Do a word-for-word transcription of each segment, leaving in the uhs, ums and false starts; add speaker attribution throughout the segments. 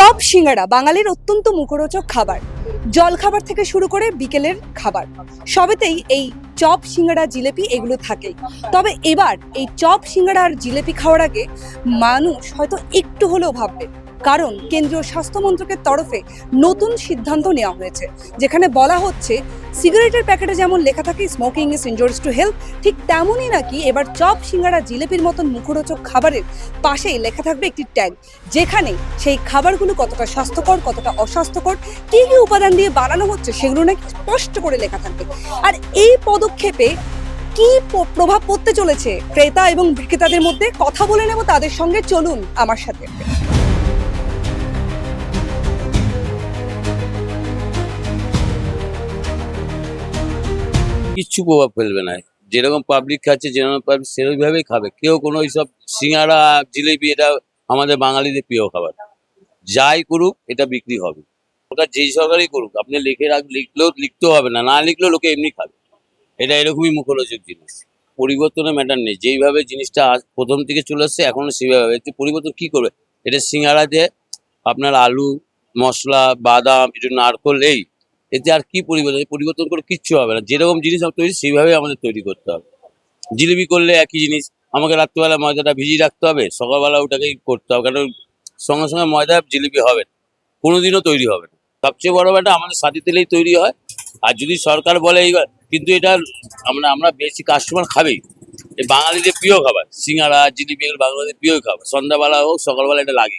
Speaker 1: Chop সিঙ্গাড়া বাঙালির অত্যন্ত মুখরোচক খাবার। জলখাবার থেকে শুরু করে বিকেলের খাবার সবেতেই এই চপ সিঙ্গাড়া জিলেপি এগুলো থাকেই। তবে এবার এই চপ সিঙ্গাড়া আর জিলেপি খাওয়ার আগে মানুষ হয়তো একটু হলেও ভাববে, কারণ কেন্দ্রীয় স্বাস্থ্য মন্ত্রকের তরফে নতুন সিদ্ধান্ত নেওয়া হয়েছে, যেখানে বলা হচ্ছে সিগারেটের প্যাকেটে যেমন লেখা থাকে smoking is injurious to health, ঠিক তেমনই নাকি এবার চপ সিঙ্গাড়া জিলেপির মতন মুখরোচক খাবারের পাশেই লেখা থাকবে একটি ট্যাগ, যেখানে সেই খাবারগুলো কতটা স্বাস্থ্যকর কতটা অস্বাস্থ্যকর, কী কী উপাদান দিয়ে বানানো হচ্ছে সেগুলো নাকি স্পষ্ট করে লেখা থাকবে। আর এই পদক্ষেপে কি প্রভাব পড়তে চলেছে ক্রেতা এবং বিক্রেতাদের মধ্যে, কথা বলে নেব তাদের সঙ্গে, চলুন আমার সাথে।
Speaker 2: কিচ্ছু প্রভাব ফেলবে না। যেরকম পাবলিক খাচ্ছে যেরকম পাবলিক সেরকমভাবেই খাবে। কেউ কোনো এইসব সিঙ্গাড়া জিলিপি এটা আমাদের বাঙালিদের প্রিয় খাবার, যাই করুক এটা বিক্রি হবে। ওটা যেই সরকারই করুক, আপনি লিখে রাখ লিখলেও লিখতেও হবে না, না লিখলেও লোকে এমনি খাবে। এটা এরকমই মুখরোচক জিনিস, পরিবর্তনের ম্যাটার নেই। যেইভাবে জিনিসটা প্রথম থেকে চলে আসছে এখনো সেইভাবে, একটু পরিবর্তন কি করবে? এটা সিঙ্গাড়াতে আপনার আলু মশলা বাদাম একটু নারকোল, এই এতে আর কি পরিবর্তন? পরিবর্তন করে কিচ্ছু হবে না। যেরকম জিনিস তৈরি সেইভাবে আমাদের তৈরি করতে হবে। জিলিপি করলে একই জিনিস, আমাকে রাত্রিবেলা ময়দাটা ভিজিয়ে রাখতে হবে, সকালবেলা ওটাকেই করতে হবে, কারণ সঙ্গে সঙ্গে ময়দা জিলিপি হবে না, কোনোদিনও তৈরি হবে না। সবচেয়ে বড় ব্যাপারটা আমাদের সাথী তেলেই তৈরি হয়। আর যদি সরকার বলে এইবার, কিন্তু এটা আমরা আমরা বেশি কাস্টমার খাবেই। এই বাঙালিদের প্রিয় খাবার সিঙ্গাড়া জিলিপি, এগুলো বাঙালিদের প্রিয় খাবার। সন্ধ্যাবেলা হোক সকালবেলা এটা লাগে।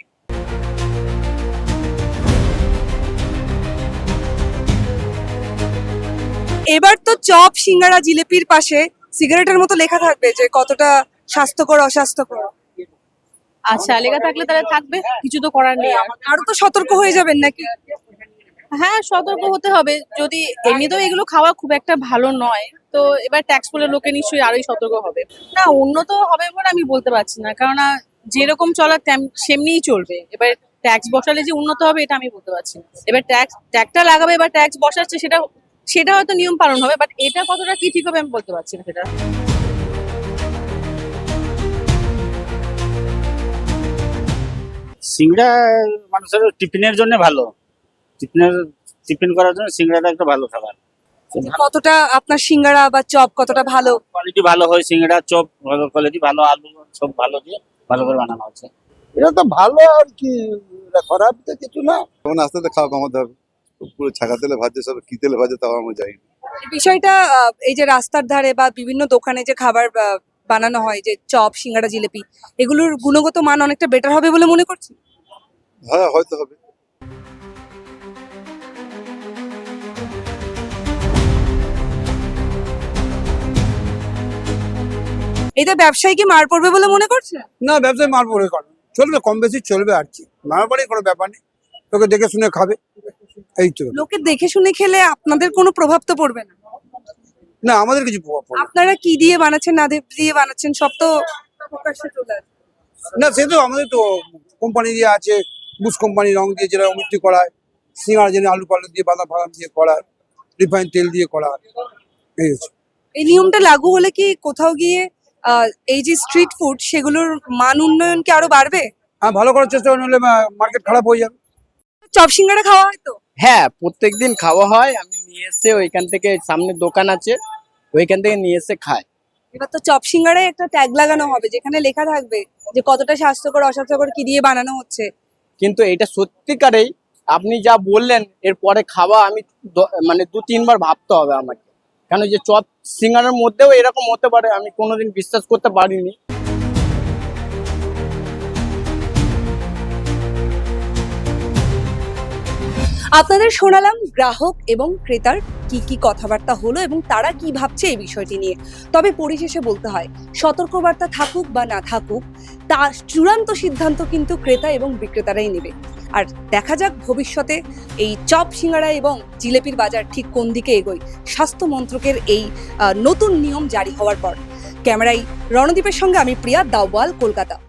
Speaker 1: এবার তো চপ সিঙ্গাড়া জিলেপির পাশে সিগারেটের মতো লেখা থাকবে যে কতটা স্বাস্থ্যকর অস্বাস্থ্যকর।
Speaker 3: আচ্ছা, লেখা থাকলে তাহলে থাকবে, কিছু তো করার নেই।
Speaker 1: আরো তো সতর্ক হয়ে যাবেন নাকি?
Speaker 3: হ্যাঁ, সতর্ক হতে হবে। যদি এমনিতেও এগুলো খাওয়া খুব একটা ভালো নয়, তো এবার ট্যাক্স বলে লোকে নিশ্চয়ই আরোই সতর্ক হবে। না, উন্নত হবে বলে আমি বলতে পারছি না, কেননা যেরকম চলার সেমনিই চলবে। এবার ট্যাক্স বসালে যে উন্নত হবে এটা আমি বলতে পারছি না। এবার ট্যাক্স ট্যাক্সটা লাগাবে, এবার ট্যাক্স বসাচ্ছে, সেটা সেটা হয়তো নিয়ম পালন হবে, বাট এটা কতটা কি ঠিক হবে আমি বলতে পারছি না সেটা।
Speaker 4: সিঙ্গড়া মানুষের টিফিনের জন্য ভালো, টিফিনের টিফিন করার জন্য সিঙ্গড়াটা একটা ভালো খাবার।
Speaker 1: কতটা আপনার সিঙ্গাড়া বা চপ কতটা ভালো?
Speaker 4: কোয়ালিটি ভালো হয়, সিঙ্গড়া চপ ভালো কোয়ালিটি, ভালো আলু সব ভালো দিয়ে ভালো করে বানানো হচ্ছে।
Speaker 5: এটা তো ভালো, আর কি এটা খারাপ তো কিছু না। তখন আস্তে আস্তে খাওয়া কমাতে হবে। পুরো ছাকা তেলে ভাজছে, সব কি তেলে ভাজে তাও আমরা যাই।
Speaker 1: এই বিষয়টা আহ, এই যে রাস্তার ধারে বা বিভিন্ন দোকানে যে খাবার আহ, বানানো হয়, যে চপ সিঙ্গাড়া জিলেপি, এগুলোর গুণগত মান অনেকটা বেটার হবে বলে মনে করছি।
Speaker 5: হ্যাঁ, হয়তো হবে।
Speaker 1: এতে ব্যবসায়ী কি মার পড়বে বলে মনে করছে?
Speaker 5: না, ব্যবসায় মার পড়ে কেন, চলবে, কম বেশি চলবে, আর কি মার পড়ে কোনো ব্যাপার নেই। তোকে দেখে শুনে খাবে, এই তো।
Speaker 1: লোকে দেখে শুনে খেলে আপনাদের কোনো প্রভাব তো পড়বে না?
Speaker 5: না, আমাদের কিছু প্রভাব পড়বে না।
Speaker 1: আপনারা কি দিয়ে বানাচ্ছেন না দিয়ে বানাচ্ছেন সব তো প্রকাশ্যে চলে আসবে।
Speaker 5: না, সে তো আমাদের তো কোম্পানি দিয়ে আছে, বুশ কোম্পানি রং দিয়ে যেটা অমৃতি করায়, সিঙ্গার যেন আলু পালু দিয়ে বাদাম ফাদাম দিয়ে করায়, রিফাইন তেল দিয়ে করা, এই হচ্ছে।
Speaker 1: এই নিয়মটা লাগু হলে কি কোথাও গিয়ে আহ, এই যে স্ট্রিট ফুড সেগুলোর মান উন্নয়ন কি আরো বাড়বে?
Speaker 5: হ্যাঁ, ভালো করার চেষ্টা করলে মার্কেট খারাপ হয়ে যাবে।
Speaker 1: চপ সিঙ্গাড়া খাওয়া হয় তো?
Speaker 6: হ্যাঁ, প্রত্যেকদিন খাওয়া হয়। আমি নিয়ে এসে ওইখান থেকে, সামনে দোকান আছে ওইখান থেকে নিয়ে এসে খাই।
Speaker 1: এবার তো চপ সিঙ্গাড়ায় একটা ট্যাগ লাগানো হবে যেখানে লেখা থাকবে যে কতটা স্বাস্থ্যকর অস্বাস্থ্যকর কি দিয়ে বানানো হচ্ছে।
Speaker 6: কিন্তু এটা সত্যিকারেই আপনি যা বললেন, এরপরে খাওয়া আমি দ- মানে দু তিনবার ভাবতে হবে আমাকে, কেন যে চপ সিঙ্গারের মধ্যেও এরকম হতে পারে আমি কোনোদিন বিশ্বাস করতে পারিনি।
Speaker 1: আপনাদের শোনালাম গ্রাহক এবং ক্রেতার কি কি কথাবার্তা হলো এবং তারা কি ভাবছে এই বিষয়টি নিয়ে। তবে পরিশেষে বলতে হয়, সতর্কবার্তা থাকুক বা না থাকুক, তার চূড়ান্ত সিদ্ধান্ত কিন্তু ক্রেতা এবং বিক্রেতারাই নেবে। আর দেখা যাক ভবিষ্যতে এই চপ সিঙ্গাড়া এবং জিলেপির বাজার ঠিক কোন দিকে এগোয় স্বাস্থ্য মন্ত্রকের এই নতুন নিয়ম জারি হওয়ার পর। ক্যামেরায় রণদীপের সঙ্গে আমি প্রিয়া, দাওয়াল, কলকাতা।